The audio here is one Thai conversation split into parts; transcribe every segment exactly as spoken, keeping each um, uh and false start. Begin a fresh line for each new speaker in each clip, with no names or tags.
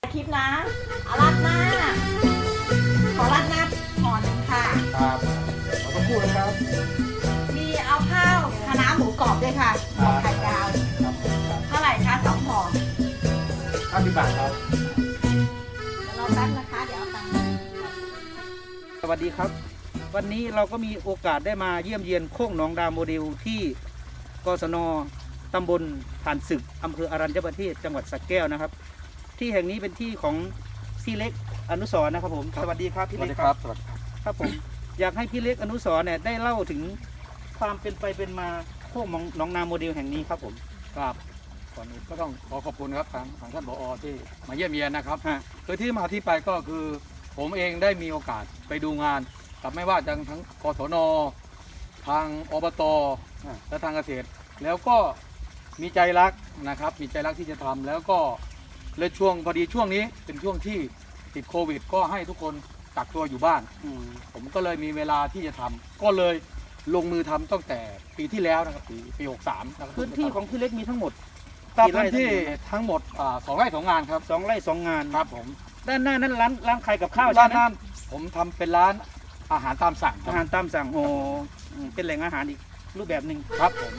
คลิปนะเอาราดหน้าขอราดหน้าห่อหนึ่งค่ะ
ครับขอสักครู่นะครับ
มีเอาข้าวคะน้าหมูกรอบด้วยค่ะหอไข่ดาว
ครับครับ
เท่าไหร่คะสองห่อ
ห้าสิบบาทครับ
เดี๋ยวรอแป๊บนะคะเดี๋ยวเอาตังค์
สวัสดีครับ วันนี้เราก็มีโอกาสได้มาเยี่ยมเยียนโค้งหนองดาวโมเดลที่กศนตำบลผ่านศึกอำเภออรัญญประเทศจังหวัดสระแก้วนะครับ ที่แห่งนี้เป็นที่ของพี่เล็กอนุสรณ์นะครับผมสวัสดีครับพี่เล็กครับ
สวัสดีครับ
ครับผมอยากให้พี่เล็กอนุสรณ์เนี่ยได้เล่าถึงความเป็นไปเป็นมาโค้งหนองนาโมเดลแห่งนี้ครับผม
ครับก่อนอื่นก็ต้องขอขอบคุณครับทางทางท่านผอ.ที่มาเยี่ยมเยียนนะครับ
ฮะ
คือที่มาที่ไปก็คือ ผมเองได้มีโอกาสไปดูงานกับไม่ว่าจะทั้งกศนทางอบตและทางเกษตร แล้วก็มีใจรักนะครับ มีใจรักที่จะทำแล้วก็เลยช่วงพอดีช่วงนี้เป็นช่วงที่ติดโควิด ก็ให้ทุกคนกักตัวอยู่บ้าน
อืม
ผมก็เลยมีเวลาที่จะทำก็เลยลงมือทำตั้งแต่ปีที่แล้วนะครับปีปีหกสามนะครับ
พื้นที่ของพี่เล็กมีทั้งหมด
ตาม
กี่ไร่
พื้นที่ทั้งหมดอ่าสองไร่สองงานครับ
สองไร่สองงาน
ครับผม
ด้านหน้านั้นร้านร้านขายกับข้าว
ด้า
ใช่
น
ไหม
นั้นผมทำเป็นร้านอาหารตามสั่งค
อา
รับ
หารตามสั่งโอ้อืมเป็นแหล่งอาหารอีกรูปแบบหนึ่ง
ครับผม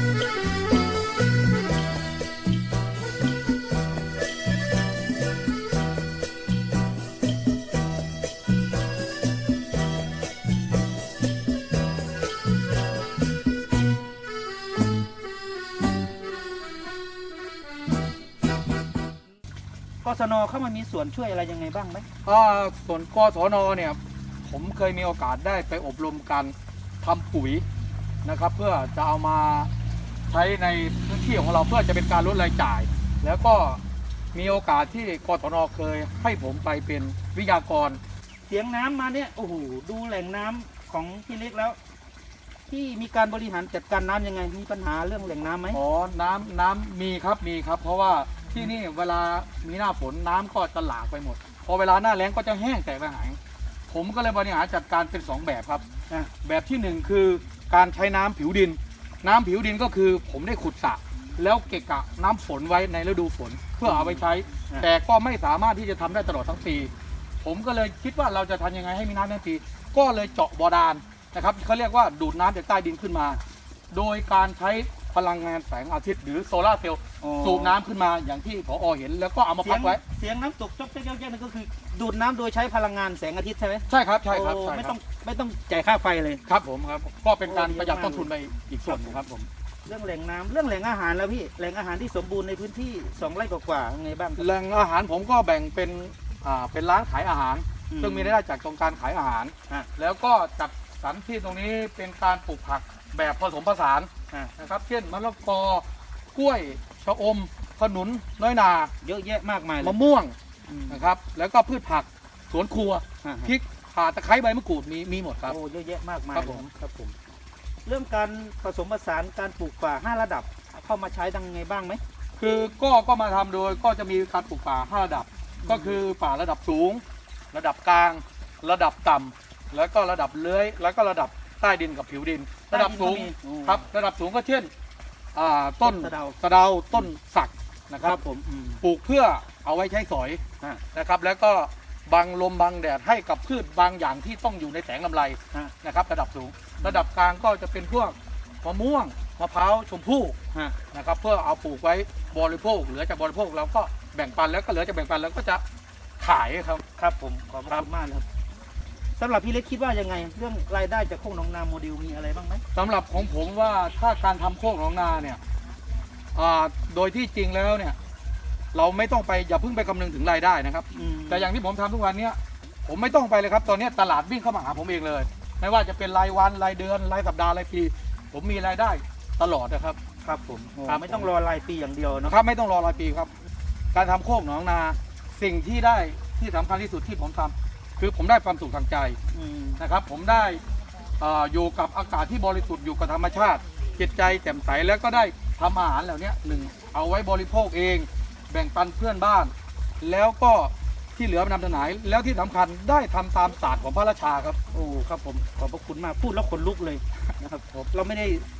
กศนเข้ามามีส่วนช่วยอะไรยังไงบ้างไหม
อ่าส่วนกศนเนี่ยผมเคยมีโอกาสได้ไปอบรมการทำปุ๋ยนะครับ เพื่อจะเอามาใช้ในพื้นที่ของเราเพื่อจะเป็นการลดรายจ่าย แล้วก็มีโอกาสที่กศนเคยให้ผมไปเป็นวิทยากร
เสียงน้ำมาเนี่ยโอ้โหดูแหล่งน้ำของพี่เล็กแล้ว ที่มีการบริหารจัดการน้ำยังไงมีปัญหาเรื่องแหล่งน้ำไหม
อ๋อ น้ำน้ำมีครับ มีครับ เพราะว่าที่นี่เวลามีหน้าฝนน้ำก็จะหลากไปหมด พอเวลาหน้าแล้งก็จะแห้งแตกระหาย ผมก็เลยบริหารจัดการเป็นสองแบบครับ
อ่ะ
แบบที่หนึ่งคือการใช้น้ำผิวดิน น้ำผิวดินก็คือผมได้ขุดสระแล้วเก็บกะน้ำฝนไว้ในฤดูฝนเพื่อเอาไปใช้ แต่ก็ไม่สามารถที่จะทำได้ตลอดทั้งปี ผมก็เลยคิดว่าเราจะทำยังไงให้มีน้ำทั้งปี ก็เลยเจาะบาดาลนะครับเขาเรียกว่าดูดน้ำจากใต้ดินขึ้นมา โดยการใช้พลังงานแสงอาทิตย์หรือโซลาร์เซลล์
อ๋อ
สูบน้ำขึ้นมาอย่างที่ผอ.เห็นแล้วก็เอามา
เสี
พั
ย
ก
ง
ไว้
เสียงน้ำตกจอกแจ๊กแจ๊กนั่นก็คือ ดูดน้ำโดยใช้พลังงานแสงอาทิตย์ใช่ไหม
ใช่ครับใช่ครับ
โอ้
ใช่
ไม่
ค
ต้
รั
อบ งไม่ต้องจ่ายค่าไฟเลย
ครับผมครับก็เป็นการ
โอ้
ประหยัด
เยอะมาก
ต้นทุนไปอีกส่วนหนึงครับผม
เรื่องแหล่งน้ำเรื่องแหล่งอาหารแล้วพี่แหล่งอาหารที่สมบูรณ์ในพื้นที่สองไร่กว่าๆยังไงบ้างครับ
แหล่งอาหารผมก็แบ่งเป็นอ่าเป็นร้านขายอาหาร
อืม
ซึ่งมีรายได้จากตรงการขายอาหาร
อ่ะ
แล้วก็จัดสรรที่ตรงนี้เป็นการปลูกผักแบบผสมผสาน
อ่ะ
นะครับเช่นมะละกอกล้วยชะอมขนุนน้อยนา
เยอะแยะมากมายเลย
มะม่วง
อืม
นะครับแล้วก็พืชผักสวนครัว
อ่ะ
พริกข่าตะไคร้ใบมะกรูดมีมีหมดครับ
โอ้เยอะแยะมากมาย
ครับผม
ครับผม เรื่องการผสมผสานการปลูกป่าห้าระดับ เข้ามาใช้ดังไงบ้างไหม
คือก็ก็มาทำโดยก็จะมีการปลูกป่าห้าระดับ ก็คือป่าระดับสูง ระดับกลาง ระดับต่ำแล้วก็ระดับเลื้อยแล้วก็ระดับใต้ดินกับผิวดิน ระดับสูง
ใต้ดินก็มี
ครับระดับสูงก็เช่นอ่าต้น
สะเดา
สะเดาต้นสักนะค
ค
รั
รั
บบ
ผมอืม
ปลูกเพื่อเอาไว้ใช้สอย
อ่ะ
นะครับ แล้วก็บังลมบังแดดให้กับพืชบางอย่างที่ต้องอยู่ในแสงลำไร
อ่ะ
นะครับ ระดับสูง ระดับกลางก็จะเป็นพวกมะม่วงมะพร้าวชมพู่
ฮะ
นะครับเพื่อเอาปลูกไว้บริโภคเหลือจากบริโภคเราก็แบ่งปันแล้วก็เหลือจากแบ่งปันแล้วก็จะขายครับ
ครับผมขอบพระคุณมากนะครับสำหรับพี่เล็กคิดว่ายังไง เรื่องรายได้จากโค้งหนองนาโมเดลมีอะไรบ้างไหม
สำหรับของผมว่าถ้าการทำโคกหนองนาเนี่ยอ่าโดยที่จริงแล้วเนี่ยเราไม่ต้องไปอย่าเพิ่งไปคำนึงถึงรายได้นะครับ
อืม
แต่อย่างที่ผมทำทุกวันเนี้ยผมไม่ต้องไปเลยครับตอนนี้ตลาดวิ่งเข้ามาหาผมเองเลย ไม่ว่าจะเป็นรายวันรายเดือนรายสัปดาห์รายปี ผมมีรายได้ตลอดนะครับ
ครับผมโอ้
ครับ
ไม่ต้องรอรายปีอย่างเดียวเนอะ
นะครับไม่ต้องรอรายปีครับ การทำโคกหนองนาสิ่งที่ได้ที่สำคัญที่สุดที่ผมทำคือผมได้ความสุขทางใจ
อืม
นะครับผมได้เอ่ออยู่กับอากาศที่บริสุทธิ์อยู่กับธรรมชาติจิตใจแจ่มใสแล้วก็ได้ทำอาหารเหล่านี้หนึ่งเอาไว้บริโภคเอง แบ่งปันเพื่อนบ้าน แล้วก็ที่เหลือนำถนายแล้วที่สำคัญได้ทำตามศาสตร์ของพระราชาครับ
โอ้ครับผมขอบพระคุณมากพูดแล้วขนลุกเลยนะครับผมเราไม่ได้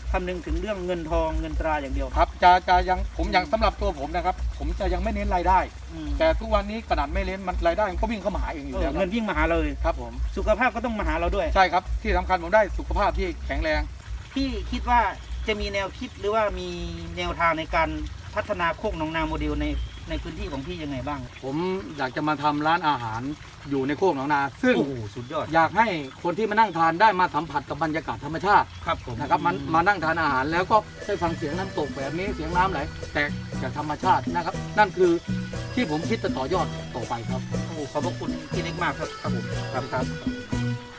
คำนึงถึงเรื่องเงินทองเงินตราอย่างเดียว
ครับจะจะยังผมยังสำหรับตัวผมนะครับ ผมจะยังไม่เน้นรายได้
อืม
แต่ทุกวันนี้ขนาดไม่เน้นมันรายได้มันก็วิ่งเข้ามาหาเองอยู่
เอ
แล้
อ
ว
เงินวิ่งมาหาเราเลย
ครับผม
สุขภาพก็ต้องมาหาเราด้วย
ใช่ครับที่สำคัญผมได้สุขภาพที่แข็งแรง
พี่คิดว่าจะมีแนวคิดหรือว่ามีแนวทางในการพัฒนาโคกหนองนาโมเดลในในพื้นที่ของพี่ยังไงบ้าง
ผมอยากจะมาทำร้านอาหารอยู่ในโคกหนองนา ซึ่ง
โอ้โหสุดยอด
อยากให้คนที่มานั่งทานได้มาสัมผัสกับบรรยากาศธรรมชาติ
ครับผม
นะครับมันมานั่งทานอาหารแล้วก็ได้ฟังเสียงน้ำตกแบบนี้เสียงน้ำไหลแต่จากธรรมชาตินะครับ นั่นคือที่ผมคิดจะต่อยอดต่อไปครับ
โอ้โหขอบพระคุณพี่เล็กมากครับครับผมครับครับ